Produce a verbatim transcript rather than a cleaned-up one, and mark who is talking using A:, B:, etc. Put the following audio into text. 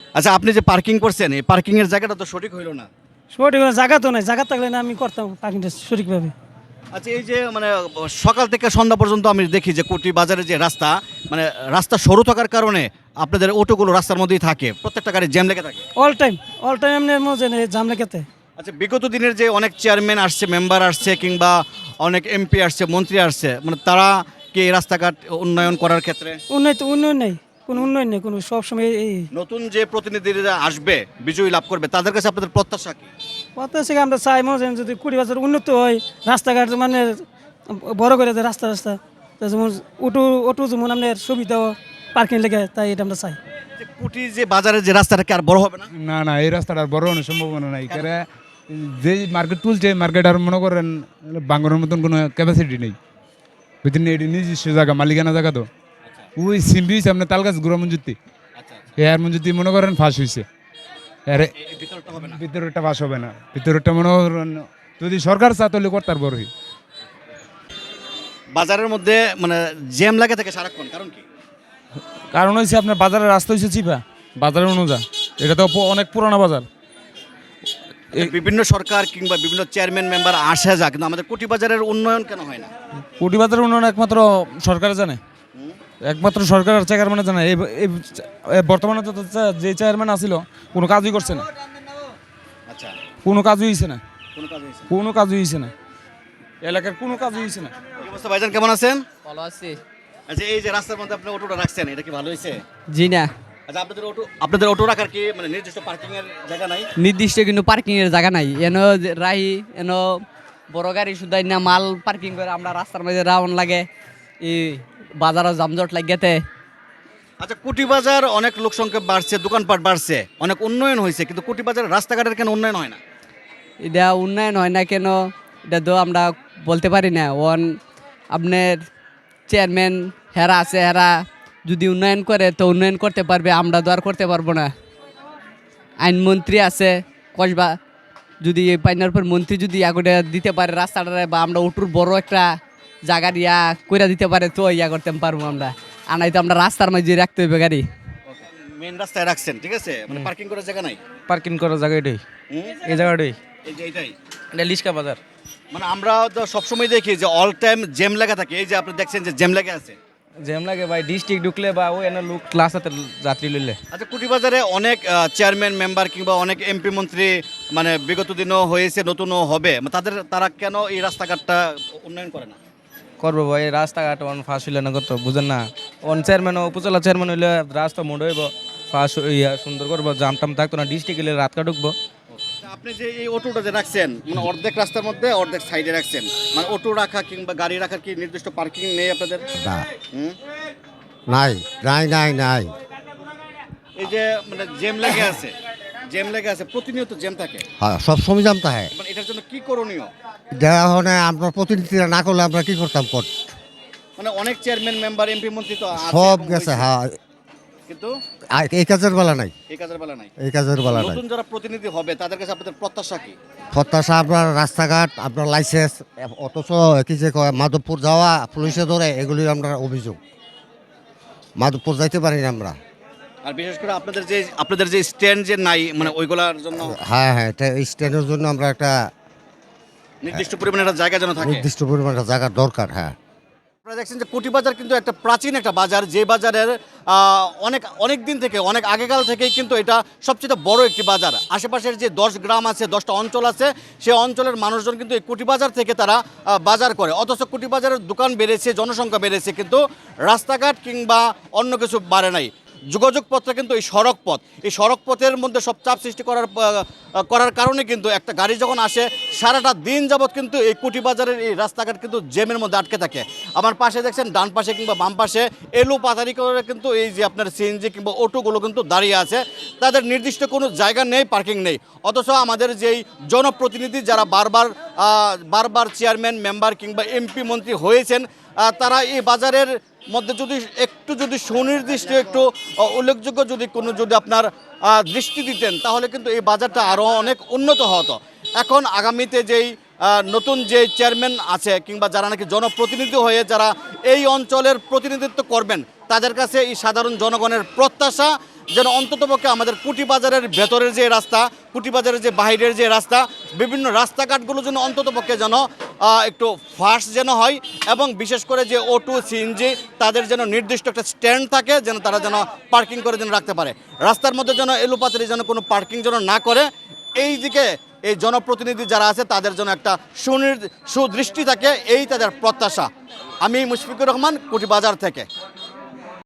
A: আচ্ছা, আপনি যে পার্কিং করছেন এই পার্কিং এর জায়গাটা তো সঠিক হইলো না।
B: সঠিক কোনো জায়গা তো নাই, জায়গা থাকলে না আমি করতাম পার্কিংটা সঠিকভাবে।
A: আচ্ছা, এই যে মানে সকাল থেকে সন্ধ্যা পর্যন্ত আমি দেখি যে কোটি বাজারে যে রাস্তা, মানে রাস্তা সরু থাকার কারণে আপনাদের অটোগুলো রাস্তার মধ্যেই থাকে, প্রত্যেকটা গাড়ি জ্যাম লেগে থাকে।
B: অল টাইম অল টাইম এমনি মজা নেই জাম লেগেতে।
A: আচ্ছা, বিগত দিনের যে অনেক চেয়ারম্যান আসছে, মেম্বার আসছে, কিংবা অনেক এমপি আসছে, মন্ত্রী আসছে, মানে তারা কি এই রাস্তাঘাট উন্নয়ন করার ক্ষেত্রে
B: উন্নয়ন তো উন্নয়ন নেই, কোনো উন্নয়ন নেই, কোনো সবসময় এই
A: নতুন যে প্রতিনিধিরা আসবে বিজয়ী লাভ করবে তাদের কাছে আপনাদের প্রত্যাশা কি?
B: পথ থেকে আমরা চাই মজা যদি কুড়ি বছর উন্নত হয়, রাস্তাঘাট মানে বড় করে দেয়, রাস্তা রাস্তা তো যেমন অটো অটো যেমন আপনার সুবিধা পার্কিং লেগে, তাই এটা আমরা চাই।
A: যে কুটি যে বাজারের যে রাস্তাটা কি আর বড় হবে না?
C: না না এই রাস্তাটা আর বড় হওয়ার সম্ভাবনা নাই, কারণ যে মার্কেট তুলছে মার্কেট আর মনে করেন বাঙ্গনের মতন কোনো ক্যাপাসিটি নেই, বুঝলেন? এটি নিজস্ব জায়গা, মালিকানা জায়গা তো। ওই সিম্বি হয়েছে আপনার তালগাছ গুড়া মঞ্জুতি, এর মঞ্জুতি মনে করেন ফাঁস হয়েছে, এর
A: ভিতরটা হবে না।
C: ভিতরেরটা ফাঁস হবে না, ভিতরেরটা মনে করেন যদি সরকার চা তাহলে করতার বড়ই।
A: বাজারের মধ্যে মানে জ্যাম লাগে থাকে সারাক্ষণ, কারণ কি?
D: কারণ হয়েছে আপনার বাজারের রাস্তা হয়েছে চিপা, বাজারের অনুযায়ী এটা তো প- অনেক পুরানো বাজার।
A: বিভিন্ন সরকার কিংবা বিভিন্ন চেয়ারম্যান মেম্বার আসে যা, কিন্তু আমাদের কোটি বাজারের উন্নয়ন কেন হয় না?
D: কোটি বাজারের উন্নয়ন একমাত্র সরকার জানে, একমাত্র সরকার আর চেয়ারম্যানে জানে। এই এই- এই বর্তমানে তো চা- যে চেয়ারম্যান আসিল কোনো কাজই করছে না,
A: আচ্ছা,
D: কোনো কাজই হয়েছে না,
A: কোনো কাজ হয়েছে না।
D: কোনো কাজই হয়েছে না, এলাকার কোনো কাজই হয়েছে না।
A: কি অবস্থা ভাইজান, কেমন আছেন?
E: ভালো আছি।
A: আচ্ছা, এই যে রাস্তার মধ্যে আপনি অটোটা রাখছেন, এটা কি ভালো হয়েছে?
E: জি না,
A: আচ্ছা, আপনাদের অটো আপনাদের অটো রাখার কি মানে নির্দিষ্ট পার্কিং এর জায়গা নাই?
E: নির্দিষ্ট কিন্তু পার্কিং এর জায়গা নাই। এন রাহি এন বড় গাড়ি শুধাই না মাল পার্কিং করে আমরা রাস্তার মধ্যে রাউন্ড লাগে, এই বাজারও জামজট লাগেতে।
A: আচ্ছা, কোটি বাজার অনেক লোক সংখ্যা বাড়ছে, দোকানপাট বাড়ছে, অনেক উন্নয়ন হয়েছে, কিন্তু কোটি বাজারের রাস্তাঘাটের কেন উন্নয়ন হয় না?
E: এটা উন্নয়ন হয় না কেন এটা তো আমরা বলতে পারি না। ওন আপনার চেয়ারম্যান হেরা আছে, হেরা যদি উন্নয়ন করে তো উন্নয়ন করতে পারবে, আমরা তো আর করতে পারবো না। আইনমন্ত্রী আছে কসবা, যদি এই পাইনার পর মন্ত্রী যদি আগুনে দিতে পারে রাস্তাটা, বা আমরা উটুর বড় একটা জায়গা ইয়া করে দিতে পারে তো ইয়া করতে পারবো আমরা। আর নাই তো আমরা রাস্তার মাঝে রাখতে হইবে গাড়ি।
A: মেন রাস্তায় রাখছেন, ঠিক আছে, মানে পার্কিং করার জায়গা নাই।
D: পার্কিং করার জায়গা এটাই,
A: হুম?
D: এই জায়গাটাই,
A: এই যে এইটাই,
D: এটা লিস্কা বাজার।
A: মানে আমরা তো সবসময় দেখি যে অল টাইম জ্যাম লাগা থাকে, এই যে আপনি দেখছেন যে জ্যাম লাগা আছে।
D: জ্যাম লাগে ভাই, ডিস্ট্রিক্ট ঢুকলে বা ওই এনে লোক ক্লাস হাতে যাত্রী লইলে।
A: আচ্ছা, কুটি বাজারে অনেক চেয়ারম্যান মেম্বার কিংবা অনেক এমপি মন্ত্রী মানে বিগত দিনও হয়েছে, নতুনও হবে, মানে তাদের তারা কেন এই রাস্তাঘাটটা উন্নয়ন করে না?
D: করবো ভাই, রাস্তাঘাট অন ফাঁস হইলে না, কত বুঝেন না। অন চেয়ারম্যান উপজেলা চেয়ারম্যান হইলে রাস্তা মোড় হইব, ফাঁস ইয়া সুন্দর করবো, জাম টাম থাকতো না, ডিস্ট্রিক্ট হইলে রাত ঢুকবো।
A: আপনি যে এই অটোটা যে রাখছেন, মানে অর্ধেক রাস্তার মধ্যে অর্ধেক সাইডে রাখছেন, মানে অটো রাখা কিংবা গাড়ি রাখার কি নির্দিষ্ট পার্কিং নেই আপনাদের?
F: না,
A: হুম?
F: নাই নাই নাই নাই
A: এই যে মানে জ্যাম লেগে আছে, জ্যাম লেগে আছে, প্রতিনিয়ত জ্যাম থাকে,
F: হ্যাঁ, সব সময় জানতে হয়।
A: মানে এটার জন্য কি করণীয়?
F: দেখা হয় আমরা প্রতিনিধিরা না করলে আমরা কি করতাম কর
A: মানে অনেক চেয়ারম্যান মেম্বার এমপি মন্ত্রী তো আছে
F: সব
A: এবং
F: গেছে,
A: হয়েছে,
F: হ্যাঁ,
A: কিন্তু
F: আর এই কাজের বেলা নাই,
A: এই কাজের বেলা নাই।
F: এই কাজের বেলা নাই।
A: নতুন যারা প্রতিনিধি হবে তাদের কাছে আপনাদের প্রত্যাশা কি?
F: প্রত্যাশা আপনার রাস্তাঘাট, আপনার লাইসেন্স, অথচ কি যে কয় মাধবপুর যাওয়া পুলিশে ধরে, এগুলি আমরা অভিযোগ। মাধবপুর যাইতে পারি না আমরা।
A: আর বিশেষ করে আপনাদের যে আপনাদের যে স্ট্যান্ড যে নাই, মানে ওইগুলোর জন্য
F: হ্যাঁ হ্যাঁ, এটা স্ট্যান্ডের জন্য আমরা একটা
A: নির্দিষ্ট পরিমাণে একটা জায়গা যেন থাকে।
F: নির্দিষ্ট পরিমাণ একটা জায়গার দরকার। হ্যাঁ,
A: আপনারা দেখছেন যে কোটি বাজার কিন্তু একটা প্রাচীন একটা বাজার, যে বাজারের আহ, অনেক অনেক দিন থেকে, অনেক আগেকাল থেকেই কিন্তু এটা সবচেয়ে বড় একটি বাজার। আশেপাশের যে দশ গ্রাম আছে, দশটা অঞ্চল আছে, সেই অঞ্চলের মানুষজন কিন্তু এই কোটি বাজার থেকে তারা আহ, বাজার করে। অথচ কোটি বাজারের দোকান বেড়েছে, জনসংখ্যা বেড়েছে, কিন্তু রাস্তাঘাট কিংবা অন্য কিছু বাড়ে নাই। যোগাযোগ পথটা কিন্তু এই সড়ক পথ, এই সড়ক পথের মধ্যে সব চাপ সৃষ্টি করার আহ, করার কারণে কিন্তু একটা গাড়ি যখন আসে সারাটা দিন যাবৎ কিন্তু এই কোটি বাজারের এই রাস্তাঘাট কিন্তু জ্যামের মধ্যে আটকে থাকে। আমার পাশে দেখছেন, ডান পাশে কিংবা বাম পাশে এলো পাতারি করে কিন্তু এই যে আপনার সিএনজি কিংবা অটোগুলো কিন্তু দাঁড়িয়ে আছে, তাদের নির্দিষ্ট কোনো জায়গা নেই, পার্কিং নেই। অথচ আমাদের যেই জনপ্রতিনিধি যারা বারবার আহ, বারবার চেয়ারম্যান মেম্বার কিংবা এমপি মন্ত্রী হয়েছেন, আহ, তারা এই বাজারের মধ্যে যদি একটু যদি সুনির্দিষ্ট একটু আহ, উল্লেখযোগ্য যদি কোনো যদি আপনার আহ, দৃষ্টি দিতেন, তাহলে কিন্তু এই বাজারটা আরও অনেক উন্নত হতো। এখন আগামীতে যেই আহ, নতুন যে চেয়ারম্যান আছে কিংবা যারা নাকি জনপ্রতিনিধি হয়ে যারা এই অঞ্চলের প্রতিনিধিত্ব করবেন, তাদের কাছে এই সাধারণ জনগণের প্রত্যাশা যেন অন্ততপক্ষে আমাদের কুটি বাজারের ভেতরের যে রাস্তা, কুটি বাজারের যে বাইরের যে রাস্তা, বিভিন্ন রাস্তাঘাটগুলো যেন অন্ততপক্ষে যেন আহ, একটু ফাস্ট যেন হয়, এবং বিশেষ করে যে অটো সিএনজি তাদের যেন নির্দিষ্ট একটা স্ট্যান্ড থাকে, যেন তারা যেন পার্কিং করে যেন রাখতে পারে। রাস্তার মধ্যে যেন এলোপাতারি যেন কোনো পার্কিং যেন না করে, এই দিকে এই জনপ্রতিনিধি যারা আছে তাদের জন্য একটা সুনির সুদৃষ্টি থাকে, এই তাদের প্রত্যাশা। আমি মুশফিকুর রহমান, কুটি বাজার থেকে।